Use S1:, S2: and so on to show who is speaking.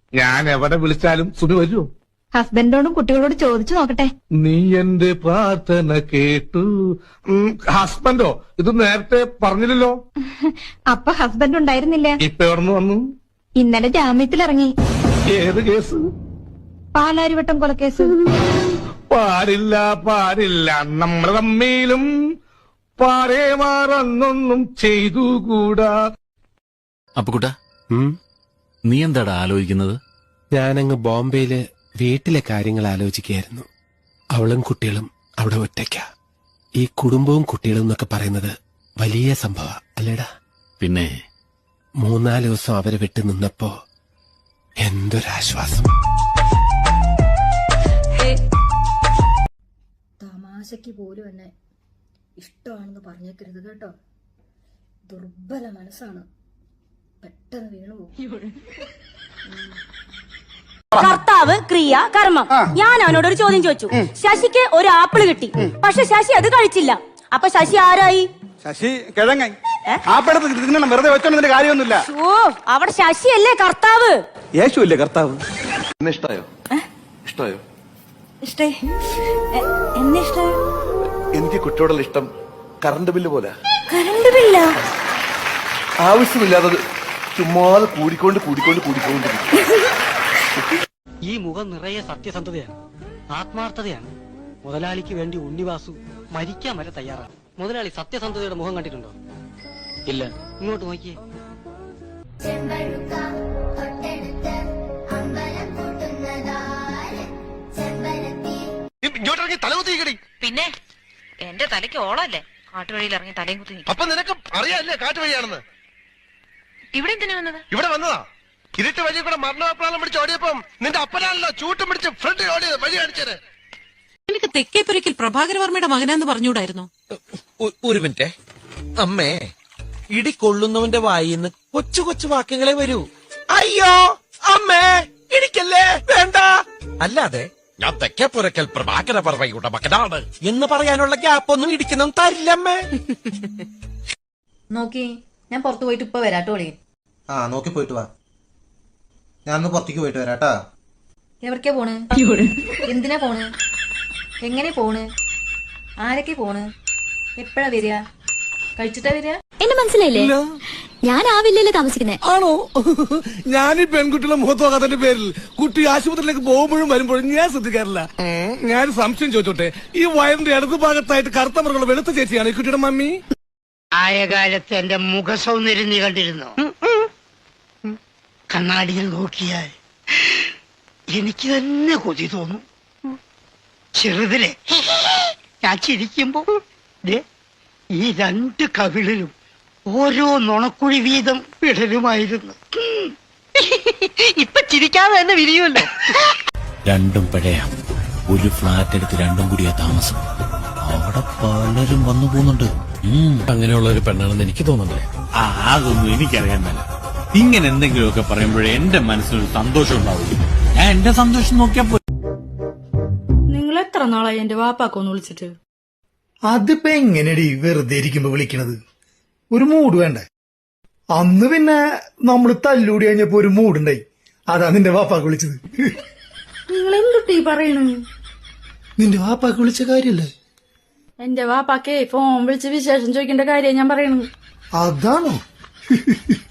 S1: ഞാൻ എവിടെ വിളിച്ചാലും സുമി വരുമോ?
S2: ഹസ്ബൻഡോടും കുട്ടികളോട് ചോദിച്ചു നോക്കട്ടെ.
S1: നീ എന്റെ പ്രാർത്ഥന കേട്ടു. ഹസ്ബൻഡോ? ഇത് നേരത്തെ പറഞ്ഞില്ലല്ലോ.
S2: അപ്പൊ ഹസ്ബൻഡ് ഉണ്ടായിരുന്നില്ല.
S1: ഇപ്പൊ എവിടുന്ന് വന്നു?
S2: ഇന്നലെ ജാമ്യത്തിലിറങ്ങി.
S1: ഏത് കേസ്?
S2: പാലാരിവട്ടം കൊലക്കേസ്.
S1: പാടില്ല പാടില്ല, നമ്മൾ തമ്മിലും പാടേ മാറന്നൊന്നും ചെയ്തുകൂടാ.
S3: അപ്പുകുട്ടാ, നീ എന്താടാ ആലോചിക്കുന്നത്?
S4: ഞാനങ്ങ് ബോംബെയില് വീട്ടിലെ കാര്യങ്ങൾ ആലോചിക്കുകയായിരുന്നു. അവളും കുട്ടികളും അവിടെ ഒറ്റയ്ക്ക. ഈ കുടുംബവും കുട്ടികളും എന്നൊക്കെ പറയുന്നത് വലിയ സംഭവ അല്ലേടാ?
S3: പിന്നെ
S4: 3-4 ദിവസം അവരെ വിട്ടു നിന്നപ്പോ എന്തൊരാശ്വാസം.
S5: തമാശയ്ക്ക് പോലും എന്നെ ഇഷ്ടമാണെന്ന് പറഞ്ഞേക്കരുത് കേട്ടോ. ദുർബല മനസ്സാണ്, പെട്ടെന്ന് വീണുപോകും.
S6: കർത്താവ്, ക്രിയ, കർമ്മം. ഞാൻ അവനോടൊരു ചോദ്യം ചോദിച്ചു. ശശിക്ക് ഒരു ആപ്പിള് കിട്ടി, പക്ഷെ ശശി അത് കഴിച്ചില്ല. അപ്പൊ ശശി ആരായി?
S7: ശശി കിഴങ്ങ. ആപ്പിളത്ത് തിന്നണം, വെറുതെ വെച്ചോണ്ടതിന്റെ കാര്യമൊന്നുമില്ല.
S6: ഓ, അവിടെ ശശിയല്ലേ കർത്താവ്?
S7: യേശു അല്ലേ കർത്താവ്?
S8: ഇഷ്ടായോ? ഇഷ്ടായോ?
S6: ഇഷ്ടായി. എന്നെ ഇഷ്ടായി.
S8: എനിക്ക് കുട്ടിയോടുള്ള ഇഷ്ടം കറണ്ട് ബില്ല് പോലെ.
S6: കറണ്ട് ബില്ല?
S8: ആവശ്യമില്ലാതെ ചുമ്മാതെ കൂടിക്കൊണ്ട്.
S9: ഈ മുഖം നിറയെ സത്യസന്ധതയാണ്, ആത്മാർത്ഥതയാണ്. മുതലാളിക്ക് വേണ്ടി ഉണ്ണിവാസു മരിക്കാൻ വരെ തയ്യാറാണ്. മുതലാളി സത്യസന്ധതയുടെ മുഖം കണ്ടിട്ടുണ്ടോ? ഇല്ല. ഇങ്ങോട്ട് നോക്കിയേ.
S10: പിന്നെ എന്റെ തലയ്ക്ക് ഓളല്ലേ കാട്ടുവഴിയിൽ ഇറങ്ങി തലയും കുത്തി.
S11: അപ്പൊ നിനക്ക് അറിയാല്ലേ കാട്ടുവഴിയാണെന്ന്?
S10: ഇവിടെ എന്തിനാ വന്നത്?
S11: ഇവിടെ വന്നതാ. ഇരുട്ട് വഴി കൂടെ മരണപ്രാളം പിടിച്ച് ഓടിയപ്പം നിന്റെ അപ്പനാണല്ലോ ചൂട്ടും പിടിച്ച് ഫ്രണ്ട് ഓടിയത്. വഴി കാണിച്ചത്.
S12: എനിക്ക് തെക്കേപ്പുരയ്ക്കൽ പ്രഭാകരവർമ്മയുടെ മകനാന്ന് പറഞ്ഞുകൂടായിരുന്നു?
S13: ഒരു മിനിറ്റ് അമ്മേ. ഇടി കൊള്ളുന്നവന്റെ വായിന്ന് കൊച്ചു കൊച്ചു വാക്യങ്ങളെ വരൂ. അയ്യോ അമ്മേ ഇടിക്കല്ലേ, വേണ്ട. അല്ലാതെ ഞാൻ തെക്കേപ്പുരയ്ക്കൽ പ്രഭാകരവർമ്മയുടെ മകനാണ് എന്ന് പറയാനുള്ള ഗ്യാപ്പൊന്നും ഇടിക്കുന്നതും തരില്ലമ്മേ.
S5: നോക്കി, ഞാൻ പുറത്തു പോയിട്ട് ഇപ്പൊ വരാട്ടോളി.
S7: നോക്കി പോയിട്ട് വാ. ഞാൻ പുറത്തേക്ക് പോയിട്ട് വരാട്ടാ.
S5: എവിടേക്കാ പോണ്? എന്തിനാ പോണ്? എങ്ങനെ പോണ്? ആരൊക്കെ പോണ്? എപ്പോഴാ വരിക? കഴിച്ചിട്ടാ വരിക?
S2: എന്നെ മനസ്സിലായില്ലേ? ഞാൻ ആ വില്ലയില് താമസിക്കുന്നേ.
S1: ആണോ? ഞാൻ ഈ പെൺകുട്ടികളെ മുഖത്ത് നോക്കാത്തതിന്റെ പേരിൽ കുട്ടി ആശുപത്രിയിലേക്ക് പോകുമ്പോഴും വരുമ്പോഴും ഞാൻ ശ്രദ്ധിക്കാറില്ല. ഞാൻ സംശയം ചോദിച്ചോട്ടെ, ഈ വയറിന്റെ ഇടതു ഭാഗത്തായിട്ട് കറുത്ത മൃഗങ്ങൾ വെളുത്ത ചേച്ചിയാണ് ഈ കുട്ടിയുടെ മമ്മി?
S9: ആയ കാലത്ത് എന്റെ മുഖ സൗന്ദര്യം നീ കണ്ടിരുന്നോ? കണ്ണാടിയിൽ നോക്കിയാൽ എനിക്ക് തന്നെ കൊതി തോന്നും. ചെറുതിലെ ഞാൻ ചിരിക്കുമ്പോ ഈ 2 കവിളിലും ഓരോ നുണക്കുഴി വീതം വിടലുമായിരുന്നു. ഇപ്പൊ ചിരിക്കാതെ തന്നെ വിരിയുമല്ലോ.
S3: രണ്ടും പഴയ ഒരു ഫ്ലാറ്റ് എടുത്ത് രണ്ടും കൂടിയാ താമസം. അവിടെ പലരും വന്നു പോകുന്നുണ്ട്.
S4: അങ്ങനെയുള്ള ഒരു പെണ്ണാണെന്ന് എനിക്ക് തോന്നുന്നില്ലേ?
S3: അതൊന്നും എനിക്കറിയാൻ മേല. ഇങ്ങനെ എന്തെങ്കിലുമൊക്കെ പറയുമ്പോഴേ എന്റെ മനസ്സിനൊരു സന്തോഷം ഉണ്ടാവുള്ളൂ. ഞാൻ എന്റെ സന്തോഷം നോക്കിയാ പോയി.
S5: നിങ്ങൾ എത്ര നാളായി എന്റെ വാപ്പാക്കൊന്ന് വിളിച്ചിട്ട്?
S7: അതിപ്പോ എങ്ങനെയടി വെറുതെ ഇരിക്കുമ്പോ വിളിക്കണത്? ഒരു മൂഡ് വേണ്ടേ? അന്ന് പിന്നെ നമ്മള് തല്ലൂടി കഴിഞ്ഞപ്പോ ഒരു മൂടുണ്ടായി. അതാ നിന്റെ വാപ്പാക്ക് വിളിച്ചത്.
S5: നിങ്ങൾ എന്തുട്ടീ പറയണു?
S7: നിന്റെ വാപ്പാക്ക് വിളിച്ച കാര്യല്ലേ?
S5: എന്റെ വാപ്പാക്കേ ഫോൺ വിളിച്ച് വിശേഷം ചോദിക്കേണ്ട കാര്യം ഞാൻ പറയണു.
S7: അതാണോ?